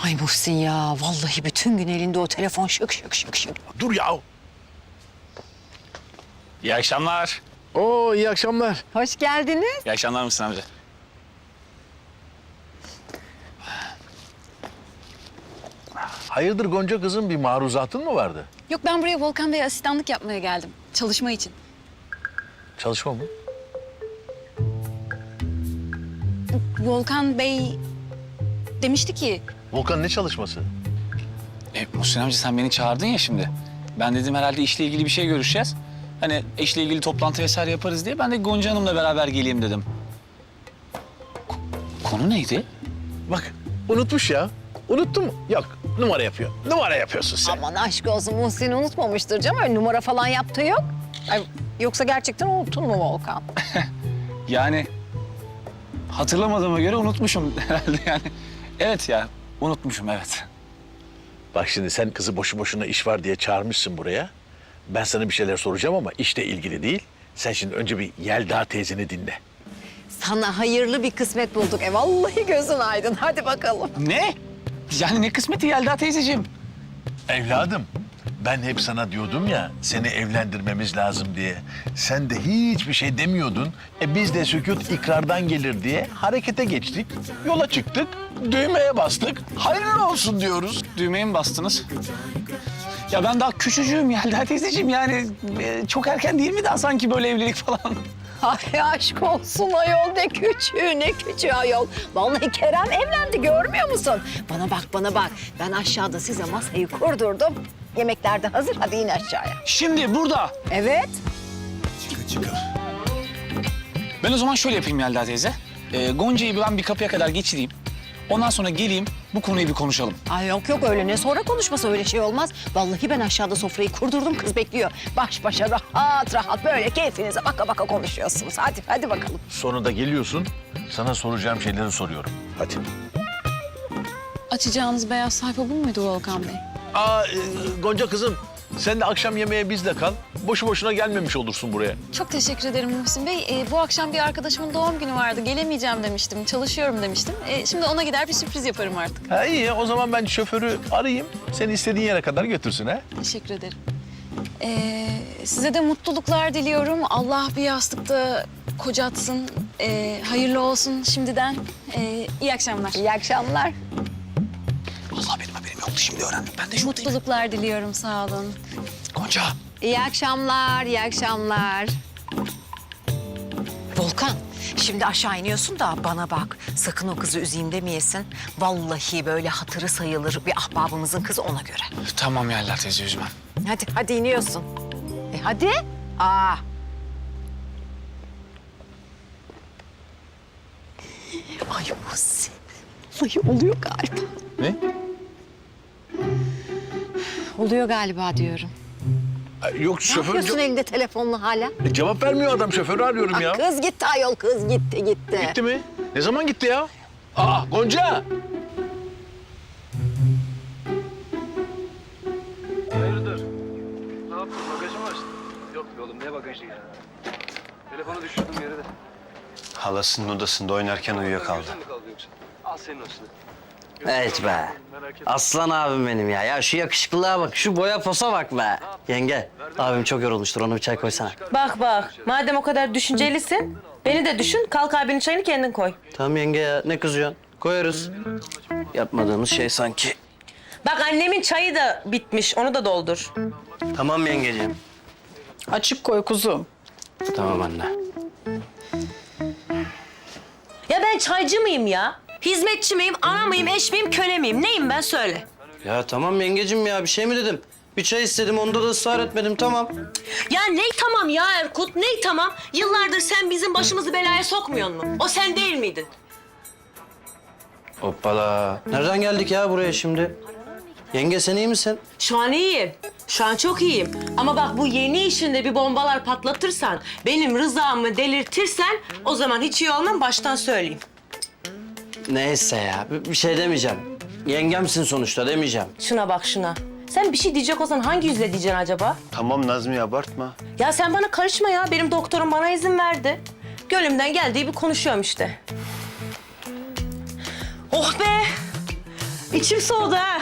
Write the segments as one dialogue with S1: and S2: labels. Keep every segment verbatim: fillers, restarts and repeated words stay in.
S1: Ay Muhsin ya, vallahi bütün gün elinde o telefon şık şık şık şık.
S2: Dur ya.
S3: İyi akşamlar.
S2: Oo iyi akşamlar.
S1: Hoş geldiniz.
S3: İyi akşamlar Muhsin amca.
S2: Hayırdır Gonca kızım, bir maruzatın mı vardı?
S4: Yok, ben buraya Volkan Bey'e asistanlık yapmaya geldim. Çalışma için.
S2: Çalışma mı?
S4: Volkan Bey demişti ki...
S2: Volkan ne çalışması?
S3: E, Muhsin amca sen beni çağırdın ya şimdi. Ben dedim herhalde işle ilgili bir şey görüşeceğiz. Hani işle ilgili toplantı vesaire yaparız diye ben de Gonca Hanım'la beraber geleyim dedim. Ko- konu neydi?
S2: Bak unutmuş ya. Unuttun mu? Yok, numara yapıyor. Numara yapıyorsun sen.
S1: Aman aşk olsun, Muhsin unutmamıştır canım. Öyle numara falan yaptığı yok. Ay, yoksa gerçekten unuttun mu Volkan?
S3: Yani hatırlamadığıma göre unutmuşum herhalde yani. Evet ya, unutmuşum evet.
S2: Bak şimdi sen kızı boşu boşuna iş var diye çağırmışsın buraya. Ben sana bir şeyler soracağım ama işle ilgili değil. Sen şimdi önce bir Yelda teyzeni dinle.
S1: Sana hayırlı bir kısmet bulduk. E vallahi gözün aydın. Hadi bakalım.
S3: Ne? Yani ne kısmeti Yelda teyzeciğim?
S2: Evladım, ben hep sana diyordum ya seni evlendirmemiz lazım diye. Sen de hiçbir şey demiyordun. E biz de sükût ikrardan gelir diye harekete geçtik. Yola çıktık, düğmeye bastık. Hayırlı olsun diyoruz.
S3: Düğmeye mi bastınız? Ya ben daha küçücüğüm Yelda teyzeciğim yani e, çok erken değil mi daha sanki böyle evlilik falan?
S1: Ay aşk olsun ayol, ne küçüğü ne küçüğü ayol. Vallahi Kerem evlendi, görmüyor musun? Bana bak bana bak. Ben aşağıda size masayı kurdurdum. Yemekler de hazır, hadi in aşağıya.
S3: Şimdi burada.
S1: Evet.
S3: Ben o zaman şöyle yapayım Yelda teyze. E, Gonca'yı ben bir kapıya kadar geçireyim. Ondan sonra geleyim bu konuyu bir konuşalım.
S1: Ay yok yok, öyle ne sonra konuşması, öyle şey olmaz. Vallahi ben aşağıda sofrayı kurdurdum, kız bekliyor. Baş başa rahat rahat böyle keyfinize baka baka konuşuyorsunuz. Hadi hadi bakalım.
S2: Sonunda geliyorsun, sana soracağım şeyleri soruyorum. Hadi.
S4: Açacağınız beyaz sayfa bu muydu Volkan Bey?
S2: Aa e, Gonca kızım, sen de akşam yemeğe bizle kal. Boşu boşuna gelmemiş olursun buraya.
S4: Çok teşekkür ederim Muhsin Bey. Ee, bu akşam bir arkadaşımın doğum günü vardı. Gelemeyeceğim demiştim. Çalışıyorum demiştim. Ee, şimdi ona gider bir sürpriz yaparım artık.
S2: Ha iyi, o zaman ben şoförü arayayım. Seni istediğin yere kadar götürsün ha.
S4: Teşekkür ederim. Ee, size de mutluluklar diliyorum. Allah bir yastıkta kocatsın. Ee, hayırlı olsun şimdiden. Ee, iyi akşamlar.
S1: İyi akşamlar.
S3: Allah benim haberim yoktu şimdi öğrendim. Ben de şuradayım.
S4: Mutluluklar diliyorum, sağ olun.
S3: Gonca.
S1: İyi akşamlar, iyi akşamlar. Volkan, şimdi aşağı iniyorsun da bana bak. Sakın o kızı üzeyim demeyesin. Vallahi böyle hatırı sayılır bir ahbabımızın kızı, ona göre.
S3: Tamam Yelda teyze üzmem.
S1: Hadi, hadi iniyorsun. E hadi. Aa. Ay Muhsin. Vallahi oluyor galiba.
S2: Ne?
S1: Oluyor galiba diyorum.
S2: Ay, Yok
S1: Ne
S2: şoför
S1: yapıyorsun
S2: ce-
S1: elinde telefonla hala?
S2: E, cevap vermiyor adam, şoförü arıyorum ya.
S1: Kız gitti ayol, kız gitti gitti.
S2: Gitti mi? Ne zaman gitti ya? Aa Gonca!
S5: Hayırdır? Ne yaptın? Bagajı mı açtın? Yok be oğlum, ne bagajı ya? Telefonu düşürdüm yere de.
S6: Halasının odasında oynarken uyuyakaldı.
S5: Gözün mü kaldı yoksa? Al senin olsun.
S7: Evet be.
S5: Merak etme.
S7: Aslan abim benim ya. Ya şu yakışıklılığa bak, şu boya posa bak be. Yenge, abim çok yorulmuştur. Ona bir çay koysana.
S8: Bak bak, madem o kadar düşüncelisin, beni de düşün. Kalk abinin çayını kendin koy.
S7: Tamam yenge ya, ne kızıyorsun? Koyarız. Yapmadığımız şey sanki.
S8: Bak annemin çayı da bitmiş, onu da doldur.
S7: Tamam yengeciğim.
S8: Açık koy kuzum.
S7: Tamam anne.
S8: Ya ben çaycı mıyım ya? Hizmetçi miyim, ana mıyım, eş miyim, köle miyim? Neyim ben söyle.
S7: Ya tamam yengeciğim ya, bir şey mi dedim? Bir çay istedim, onda da ısrar etmedim, tamam.
S8: Ya ney tamam ya Erkut, ney tamam? Yıllardır sen bizim başımızı belaya sokmuyor mu? O sen değil miydin?
S7: Hoppala. Nereden geldik ya buraya şimdi? Yenge sen iyi misin?
S8: Şu an iyiyim. Şu an çok iyiyim. Ama bak bu yeni işinde bir bombalar patlatırsan, benim rızamı delirtirsen o zaman hiç iyi olmam, baştan söyleyeyim.
S7: Neyse ya, bir bir şey demeyeceğim. Yengemsin sonuçta, demeyeceğim.
S8: Şuna bak şuna. Sen bir şey diyecek olsan hangi yüzle diyeceksin acaba?
S6: Tamam Nazmi, abartma.
S8: Ya sen bana karışma ya. Benim doktorum bana izin verdi. Gönlümden geldiği bir konuşuyorum işte. Oh be! İçim soğudu ha.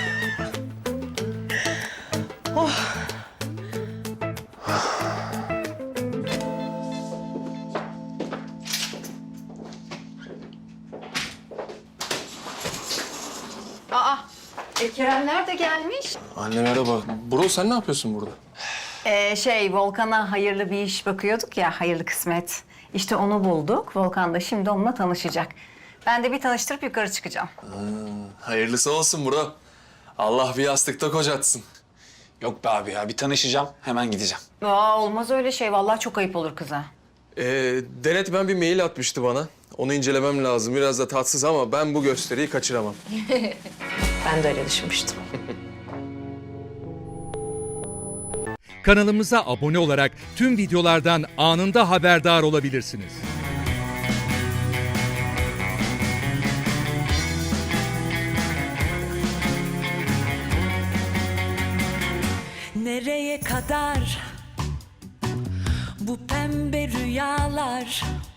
S1: Aa, e, Keremler de gelmiş.
S9: Anne merhaba. Bro sen ne yapıyorsun burada?
S1: Ee, şey, Volkan'a hayırlı bir iş bakıyorduk ya, hayırlı kısmet. İşte onu bulduk. Volkan da şimdi onunla tanışacak. Ben de bir tanıştırıp yukarı çıkacağım.
S9: Hayırlısı olsun bro. Allah bir yastıkta kocatsın.
S3: Yok be abi ya bir tanışacağım hemen gideceğim.
S1: Aa, olmaz öyle şey. Vallahi çok ayıp olur kıza.
S9: Ee, Denet ben bir mail atmıştı bana. Onu incelemem lazım. Biraz da tatsız ama ben bu gösteriyi kaçıramam.
S8: Ben de öyle düşünmüştüm.
S10: Kanalımıza abone olarak tüm videolardan anında haberdar olabilirsiniz.
S11: Nereye kadar bu pembe rüyalar?